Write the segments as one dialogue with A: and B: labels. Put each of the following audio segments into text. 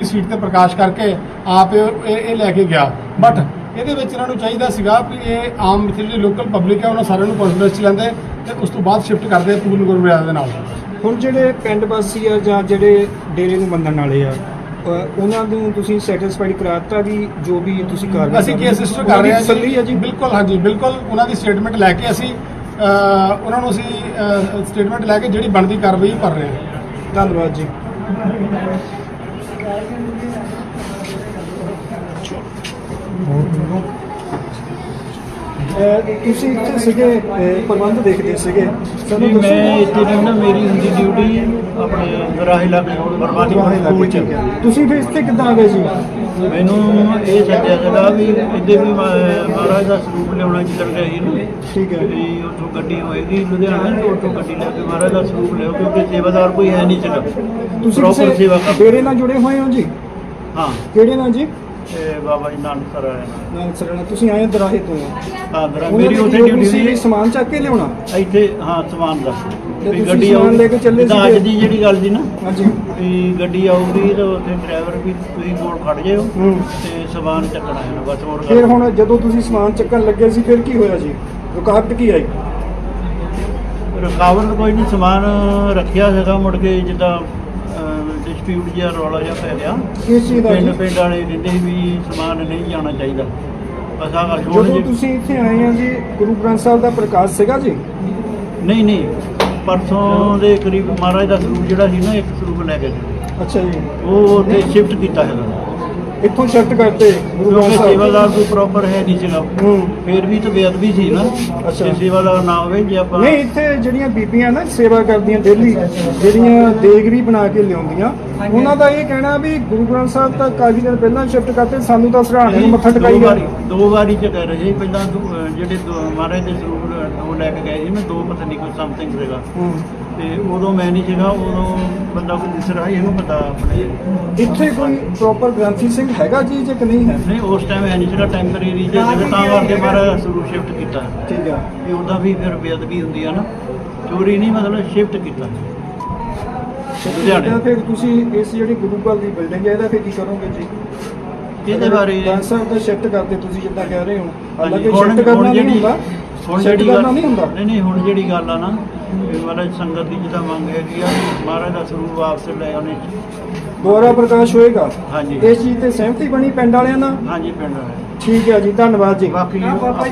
A: Seat ते प्रकाश करके आप ये लैके गया। बट ਇਹਦੇ ਵਿੱਚ ਇਹਨਾਂ ਨੂੰ ਚਾਹੀਦਾ ਸੀਗਾ ਵੀ ਇਹ ਆਮ ਇੱਥੇ ਜਿਹੜੀ ਲੋਕਲ ਪਬਲਿਕ ਹੈ ਉਹਨਾਂ ਸਾਰਿਆਂ ਨੂੰ ਕੌਨਫੀਡੈਂਸ 'ਚ ਲੈਂਦੇ ਤੇ ਉਸ ਤੋਂ ਬਾਅਦ ਸ਼ਿਫਟ ਕਰਦੇ ਪੂਰਨ ਗੁਰਮਰਿਆਦਾ ਦੇ ਨਾਲ।
B: ਹੁਣ ਜਿਹੜੇ ਪਿੰਡ ਵਾਸੀ ਆ ਜਾਂ ਜਿਹੜੇ ਡੇਰੇ ਨੂੰ ਮੰਨਣ ਵਾਲੇ ਆ ਉਹਨਾਂ ਨੂੰ ਤੁਸੀਂ ਸੈਟੀਸਫਾਈਡ ਕਰਾਤਾ ਵੀ ਜੋ ਵੀ ਤੁਸੀਂ ਕਰ ਰਹੇ
A: ਅਸੀਂ ਕੇਸ ਰਜਿਸਟਰ ਕਰ ਰਹੇ ਹਾਂ ਜੀ। ਬਿਲਕੁਲ ਹਾਂਜੀ ਬਿਲਕੁਲ ਉਹਨਾਂ ਦੀ ਸਟੇਟਮੈਂਟ ਲੈ ਕੇ ਅਸੀਂ ਉਹਨਾਂ ਨੂੰ ਅਸੀਂ ਸਟੇਟਮੈਂਟ ਲੈ ਕੇ ਜਿਹੜੀ ਬਣਦੀ ਕਾਰਵਾਈ ਕਰ ਰਹੇ ਹਾਂ।
B: ਧੰਨਵਾਦ ਜੀ। ਤੁਸੀਂ ਇੱਥੇ ਸੀਗੇ ਪ੍ਰਬੰਧ ਦੇਖਦੇ ਸੀਗੇ
C: ਸਾਨੂੰ ਮੈਂ ਇੱਥੇ ਨਾ ਮੇਰੀ ਹੁੰਦੀ ਡਿਊਟੀ ਆਪਣੇ ਗਰਾਹੇ ਲਾਗੇ ਬਰਬਾਦੀ ਸਕੂਲ ਚ।
B: ਤੁਸੀਂ ਫਿਰ ਇੱਥੇ ਕਿੱਦਾਂ ਆ ਗਏ ਜੀ?
C: ਮੈਨੂੰ ਇਹ ਸੱਦਿਆ ਸੀਗਾ ਵੀ ਇੱਥੇ ਵੀ ਮਹਾਰਾਜ ਦਾ ਸਰੂਪ ਲਿਆਉਣਾ ਚੱਲ ਰਿਹਾ ਸੀ ਨਾ।
B: ਠੀਕ ਹੈ
C: ਵੀ ਉੱਥੋਂ ਗੱਡੀ ਹੋਏਗੀ ਲੁਧਿਆਣਾ ਤੋਂ ਉੱਥੋਂ ਗੱਡੀ ਲੈ ਕੇ ਮਹਾਰਾਜ ਦਾ ਸਰੂਪ ਲਿਆਓ ਕਿਉਂਕਿ ਸੇਵਾਦਾਰ ਕੋਈ ਹੈ ਨਹੀਂ ਸੀਗਾ।
B: ਤੁਸੀਂ
C: ਪ੍ਰੋਪਰ ਸੇਵਾ
B: ਡੇਰੇ ਨਾਲ ਜੁੜੇ ਹੋਏ ਹੋ ਜੀ?
C: ਹਾਂ।
B: ਕਿਹੜੇ ਨਾਲ ਜੀ?
C: ਬਾਬਾ ਜੀ ਨਾਨਕ ਸਰ ਆਇਆ
B: ਨਾਨਕ ਸਰ ਨਾਲ। ਤੁਸੀਂ ਆਏ ਦਰਾਹੇ ਤੋਂ?
C: ਹਾਂ ਮੇਰੀ ਉੱਥੇ ਡਿਊਟੀ ਸੀ।
B: ਸਮਾਨ ਚੱਕ ਕੇ ਲਿਆਉਣਾ
C: ਇੱਥੇ? ਹਾਂ ਸਮਾਨ ਦਾ
B: ਵੀ ਗੱਡੀ ਸਮਾਨ ਲੈ ਕੇ ਚੱਲੇ ਸੀ।
C: ਅੱਜ ਦੀ ਜਿਹੜੀ ਗੱਲ ਸੀ ਨਾ
B: ਹਾਂਜੀ
C: ਵੀ ਗੱਡੀ ਆਊਗੀ ਤਾਂ ਉੱਥੇ ਡਰਾਈਵਰ ਵੀ ਤੁਸੀਂ ਕੋਲ ਖੜ ਜਾਇਓ ਤੇ ਸਮਾਨ ਚੱਕਣਾ ਹੈ ਬਸ ਹੋਰ।
B: ਫਿਰ ਹੁਣ ਜਦੋਂ ਤੁਸੀਂ ਸਮਾਨ ਚੱਕਣ ਲੱਗੇ ਸੀ ਫਿਰ ਕੀ ਹੋਇਆ ਜੀ? ਰੁਕਾਵਟ ਕੀ ਆਈ?
C: ਰੁਕਾਵਟ ਕੋਈ ਨਹੀਂ, ਸਮਾਨ ਰੱਖਿਆ ਸੀਗਾ ਮੁੜ ਕੇ ਜਿੱਦਾਂ ਡਿਸਪਿਊਟ ਜਿਹਾ ਰੌਲਾ ਜਿਹਾ ਪੈ ਗਿਆ।
B: ਕਿਸ ਚੀਜ਼ ਦਾ?
C: ਪਿੰਡ ਵਾਲੇ ਕਹਿੰਦੇ ਵੀ ਸਮਾਨ ਨਹੀਂ ਜਾਣਾ ਚਾਹੀਦਾ। ਬਸ ਆਹ
B: ਜਦੋਂ ਤੁਸੀਂ ਇੱਥੇ ਆਏ ਆ ਜੀ ਗੁਰੂ ਗ੍ਰੰਥ ਸਾਹਿਬ ਦਾ ਪ੍ਰਕਾਸ਼ ਸੀਗਾ ਜੀ?
C: ਨਹੀਂ ਪਰਸੋਂ ਦੇ ਕਰੀਬ ਮਹਾਰਾਜ ਦਾ ਸਰੂਪ ਜਿਹੜਾ ਸੀ ਨਾ ਇੱਕ ਸਰੂਪ ਲੈ ਕੇ
B: ਅੱਛਾ ਜੀ
C: ਉਹ ਉੱਥੇ ਸ਼ਿਫਟ ਕੀਤਾ ਹੈਗਾ।
B: ਇੱਥੋਂ ਸ਼ਿਫਟ ਕਰਤੇ ਗੁਰੂ ਗ੍ਰੰਥ ਸਾਹਿਬ?
C: ਸੇਵਾਦਾਰ ਕੋਈ ਪ੍ਰੋਪਰ ਹੈ ਨਹੀਂ ਸੀਗਾ। ਫਿਰ ਵੀ ਤਾਂ ਬੇਅਦਬੀ ਸੀ ਨਾ।
B: ਅੱਛਾ
C: ਸੇਵਾਦਾਰ ਨਾ ਹੋਵੇ ਜੇ ਆਪਾਂ
B: ਨਹੀਂ। ਇੱਥੇ ਜਿਹੜੀਆਂ ਬੀਬੀਆਂ ਨਾ ਸੇਵਾ ਕਰਦੀਆਂ ਡੇਲੀ ਜਿਹੜੀਆਂ ਦੇਗਰੀ ਬਣਾ ਕੇ ਲਿਆਉਂਦੀਆਂ ਉਹਨਾਂ ਦਾ ਇਹ ਕਹਿਣਾ ਵੀ ਗੁਰੂ ਗ੍ਰੰਥ ਸਾਹਿਬ ਤਾਂ ਕਾਫੀ ਦਿਨ ਪਹਿਲਾਂ ਸ਼ਿਫਟ ਕਰਤੇ, ਸਾਨੂੰ ਤਾਂ ਸਰਾਣੇ ਨੂੰ ਮੱਥਾ ਟਿਕਾਈ ਗਿਆ।
C: ਦੋ ਵਾਰੀ ਚ ਕਹਿ ਰਹੇ ਪਹਿਲਾਂ ਜਿਹੜੇ ਮਹਾਰਾਜ ਦੇ ਸਰੂਪ ਦੋ ਲੈ ਕੇ ਗਏ ਸੀ ਮੈਂ, ਦੋ ਪਤਾ ਨਹੀਂ ਕੋਈ ਸਮਥਿੰਗ ਸੀਗਾ ਤੇ ਉਦੋਂ ਮੈਂ ਨਹੀਂ ਸੀਗਾ। ਉਦੋਂ ਬੰਦਾ ਕੋਈ ਦਿਸ ਰਿਹਾ ਇਹਨੂੰ ਪਤਾ ਆਪਣੇ।
B: ਇੱਥੇ ਕੋਈ ਪ੍ਰੋਪਰ ਗ੍ਰੰਥੀ ਸਿੰਘ ਹੈਗਾ ਜੀ ਜੇ ਕਿ ਨਹੀਂ ਹੈ?
C: ਨਹੀਂ ਉਸ ਟਾਈਮ ਹੈ ਨਹੀਂ ਸੀਗਾ, ਟੈਂਪਰੇਰੀ ਜੇ ਤਾਂ ਕਰਕੇ ਮਹਾਰਾਜ ਸਰੂਪ ਸ਼ਿਫਟ ਕੀਤਾ।
B: ਠੀਕ ਆ।
C: ਇਹ ਉਹਦਾ ਵੀ ਫਿਰ ਬੇਅਦਬੀ ਹੁੰਦੀ ਆ ਨਾ, ਚੋਰੀ ਨਹੀਂ ਮਤਲਬ ਸ਼ਿਫਟ ਕੀਤਾ ਲੁਧਿਆਣੇ।
B: ਫਿਰ ਤੁਸੀਂ ਇਸ ਜਿਹੜੀ ਗੁਰੂ ਘਰ ਦੀ ਬਿਲਡਿੰਗ ਹੈ ਇਹਦਾ ਫਿਰ ਕੀ ਕਰੋਗੇ ਜੀ?
C: ਇਹਦੇ ਬਾਰੇ
B: ਗ੍ਰੰਥ ਸਾਹਿਬ ਦਾ ਸ਼ਿਫਟ ਕਰਦੇ ਤੁਸੀਂ ਜਿੱਦਾਂ ਕਹਿ ਰਹੇ ਹੋ?
C: ਹਾਲਾਂਕਿ
B: ਸ਼ਿਫਟ ਕਰਨਾ ਨਹੀਂ ਹੁੰਦਾ।
C: ਹੁਣ ਜਿਹੜੀ ਗੱਲ ਨਹੀਂ ਹੁਣ ਜਿਹੜੀ ਗੱਲ ਆ ਨਾ ਮਹਾਰਾਜ ਸੰਗਤ ਦੀ ਜਿੱਦਾਂ ਮੰਗ ਹੈਗੀ ਆ ਮਹਾਰਾਜ ਦਾ ਸਰੂਪ ਵਾਪਸ ਲੈ ਆਉਣੇ
B: ਦੁਆਰਾ ਪ੍ਰਕਾਸ਼ ਹੋਏਗਾ।
C: ਹਾਂਜੀ।
B: ਇਸ ਚੀਜ਼ ਤੇ ਸਹਿਮਤੀ ਬਣੀ ਪਿੰਡ ਵਾਲਿਆਂ ਨਾਲ?
C: ਹਾਂਜੀ ਪਿੰਡ ਵਾਲੇ।
B: ਠੀਕ ਹੈ ਜੀ, ਧੰਨਵਾਦ ਜੀ।
C: ਬਾਕੀ
B: ਬਾਬਾ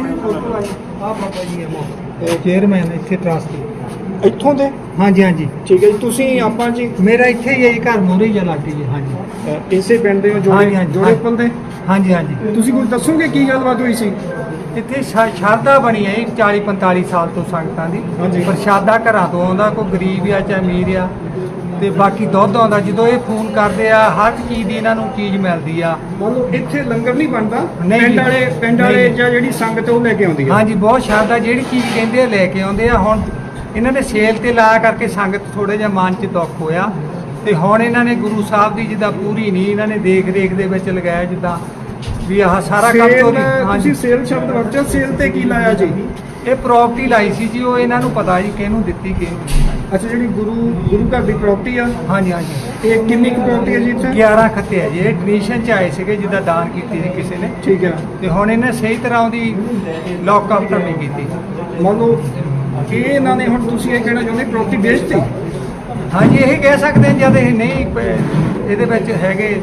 B: ਜੀ ਚੇਅਰਮੈਨ ਇੱਥੇ ਟਰਸਟ ਇੱਥੋਂ ਦੇ?
D: ਹਾਂਜੀ ਹਾਂਜੀ
B: ਠੀਕ ਹੈ ਜੀ। ਤੁਸੀਂ ਆਪਾਂ ਜੀ
D: ਮੇਰਾ ਇੱਥੇ ਹੀ ਹੈ ਜੀ, ਘਰ ਮੂਹਰੇ ਹੀ ਲਾਟੀ ਜੀ। ਹਾਂਜੀ
B: ਇਸੇ ਪਿੰਡ ਦੇ ਹੋ?
D: ਹਾਂਜੀ, ਹਾਂਜੀ।
B: ਜੋੜੇ ਪਲ ਦੇ?
D: ਹਾਂਜੀ ਹਾਂਜੀ।
B: ਤੁਸੀਂ ਕੁਝ ਦੱਸੋਗੇ ਕੀ ਗੱਲਬਾਤ ਹੋਈ ਸੀ?
D: ਇੱਥੇ ਸ਼ਰਧਾ ਬਣੀ ਹੈ 40-45 ਸਾਲ ਤੋਂ ਸੰਗਤਾਂ ਦੀ।
B: ਹਾਂਜੀ।
D: ਪ੍ਰਸ਼ਾਦਾ ਘਰਾਂ ਤੋਂ ਆਉਂਦਾ, ਕੋਈ ਗਰੀਬ ਆ ਚਾਹੇ ਅਮੀਰ ਆ, ਤੇ ਬਾਕੀ ਦੁੱਧ ਆਉਂਦਾ। ਜਦੋਂ ਇਹ ਫੋਨ ਕਰਦੇ ਆ ਹਰ ਚੀਜ਼ ਦੀ ਇਹਨਾਂ ਨੂੰ ਚੀਜ਼ ਮਿਲਦੀ ਆ।
B: ਮਤਲਬ ਇੱਥੇ ਲੰਗਰ ਨਹੀਂ ਬਣਦਾ?
D: ਨਹੀਂ ਜੀ।
B: ਪਿੰਡ ਵਾਲੇ
D: ਨਹੀਂ।
B: ਜਾਂ ਜਿਹੜੀ ਸੰਗਤ ਉਹ ਲੈ ਕੇ ਆਉਂਦੀ ਹੈ?
D: ਹਾਂਜੀ ਬਹੁਤ ਸ਼ਰਧਾ, ਜਿਹੜੀ ਚੀਜ਼ ਕਹਿੰਦੇ ਆ ਲੈ ਕੇ ਆਉਂਦੇ ਆ। ਹੁਣ ਇਹਨਾਂ ਨੇ ਸੇਲ ਤੇ ਲਾਇਆ ਕਰਕੇ ਸੰਗਤ ਥੋੜਾ ਜਿਹਾ ਮਨ 'ਚ ਦੁੱਖ ਹੋਇਆ ਤੇ ਹੁਣ ਇਹਨਾਂ ਨੇ ਗੁਰੂ ਸਾਹਿਬ ਦੀ ਜਿੱਦਾਂ ਪੂਰੀ ਨਹੀਂ ਇਹਨਾਂ ਨੇ ਦੇਖ ਦੇ ਵਿੱਚ ਲਗਾਇਆ ਜਿੱਦਾਂ ਵੀ ਆਹ ਸਾਰਾ ਕੰਮ ਤੋਂ।
B: ਤੁਸੀਂ ਸੇਲ ਸ਼ਬਦ ਵਰਤਿਆ, ਸੇਲ ਤੇ ਕੀ ਲਾਇਆ ਜੀ?
D: ਇਹ ਪ੍ਰਾਪਰਟੀ ਲਾਈ ਸੀ ਜੀ, ਉਹ ਇਹਨਾਂ ਨੂੰ ਪਤਾ ਜੀ ਕਿਹਨੂੰ ਦਿੱਤੀ ਕਿਹਨੂੰ।
B: ਅੱਛਾ, ਜਿਹੜੀ ਗੁਰੂ ਘਰ ਦੀ ਪ੍ਰਾਪਰਟੀ ਆ?
D: ਹਾਂਜੀ ਹਾਂਜੀ।
B: ਇਹ ਕਿੰਨੀ ਕੁ ਪ੍ਰਾਪਰਟੀ ਹੈ ਜੀ ਇੱਥੇ?
D: 11 ਖੱਤੇ ਆ ਜੀ। ਇਹ ਡੋਨੇਸ਼ਨ 'ਚ ਆਏ ਸੀਗੇ ਜਿੱਦਾਂ ਦਾਨ ਕੀਤੀ ਸੀ ਕਿਸੇ ਨੇ।
B: ਠੀਕ ਹੈ।
D: ਤੇ ਹੁਣ ਇਹਨੇ ਸਹੀ ਤਰ੍ਹਾਂ ਉਹਦੀ ਲੌਕਅਪ ਨਹੀਂ ਕੀਤੀ।
B: ਮੰਨ ਲਓ ਇਹ ਇਹਨਾਂ ਨੇ ਹੁਣ ਤੁਸੀਂ ਇਹ ਕਹਿਣਾ ਚਾਹੁੰਦੇ ਪ੍ਰਾਪਰਟੀ ਵੇਚਤੀ?
D: ਹਾਂਜੀ ਇਹ ਕਹਿ ਸਕਦੇ ਹਾਂ ਜਦ ਇਹ ਨਹੀਂ ਇਹਦੇ ਵਿੱਚ ਹੈਗੇ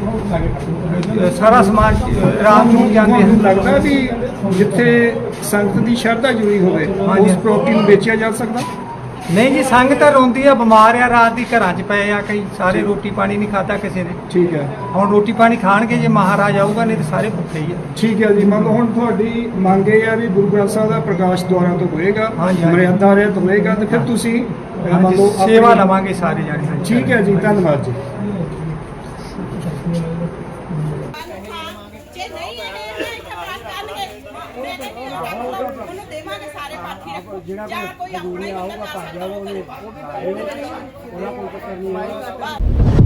D: ਸਾਰਾ ਸਮਾਜ ਰਾਮ ਨੂੰ ਜਾਂਦੇ
B: ਤੁਹਾਨੂੰ ਲੱਗਦਾ ਵੀ ਜਿੱਥੇ ਸੰਗਤ ਦੀ ਸ਼ਰਧਾ ਜੁੜੀ ਹੋਵੇ ਉਸ ਪ੍ਰਾਪਰਟੀ ਨੂੰ ਵੇਚਿਆ ਜਾ ਸਕਦਾ?
D: ਨਹੀਂ ਜੀ, ਸੰਗਤ ਰੋਂਦੀ ਆ, ਬਿਮਾਰ ਆ, ਰਾਤ ਦੀ ਘਰਾਂ 'ਚ ਪਏ ਆ ਕਈ ਸਾਰੇ, ਰੋਟੀ ਪਾਣੀ ਨਹੀਂ ਖਾਧਾ ਕਿਸੇ ਨੇ।
B: ਠੀਕ ਹੈ।
D: ਹੁਣ ਰੋਟੀ ਪਾਣੀ ਖਾਣਗੇ ਜੇ ਮਹਾਰਾਜ ਆਊਗਾ, ਨਹੀਂ ਤੇ ਸਾਰੇ ਭੁੱਖੇ ਹੀ ਆ।
B: ਠੀਕ ਹੈ ਜੀ। ਮੰਨ ਲਓ ਹੁਣ ਤੁਹਾਡੀ ਮੰਗ ਇਹ ਆ ਵੀ ਗੁਰੂ ਗ੍ਰੰਥ ਸਾਹਿਬ ਦਾ ਪ੍ਰਕਾਸ਼ ਦੁਆਰਾ ਤੋਂ ਹੋਏਗਾ,
D: ਹਾਂਜੀ।
B: ਮਰਿਆਦਾ ਰਹਿਤ ਹੋਏਗਾ ਤੇ ਫਿਰ ਤੁਸੀਂ ਮੰਨ ਲਓ
D: ਸੇਵਾ ਲਵਾਂਗੇ ਸਾਰੇ ਜਾਣੇ।
B: ਠੀਕ ਹੈ ਜੀ, ਧੰਨਵਾਦ ਜੀ।
E: ਜਿਹੜਾ ਕੋਈ ਆਊਗਾ ਭੱਜ ਜਾਵੇ ਉਹਨੇ ਉਹਨਾਂ ਕੋਲ ਚੱਕਰ ਨਹੀਂ ਆਊਗਾ।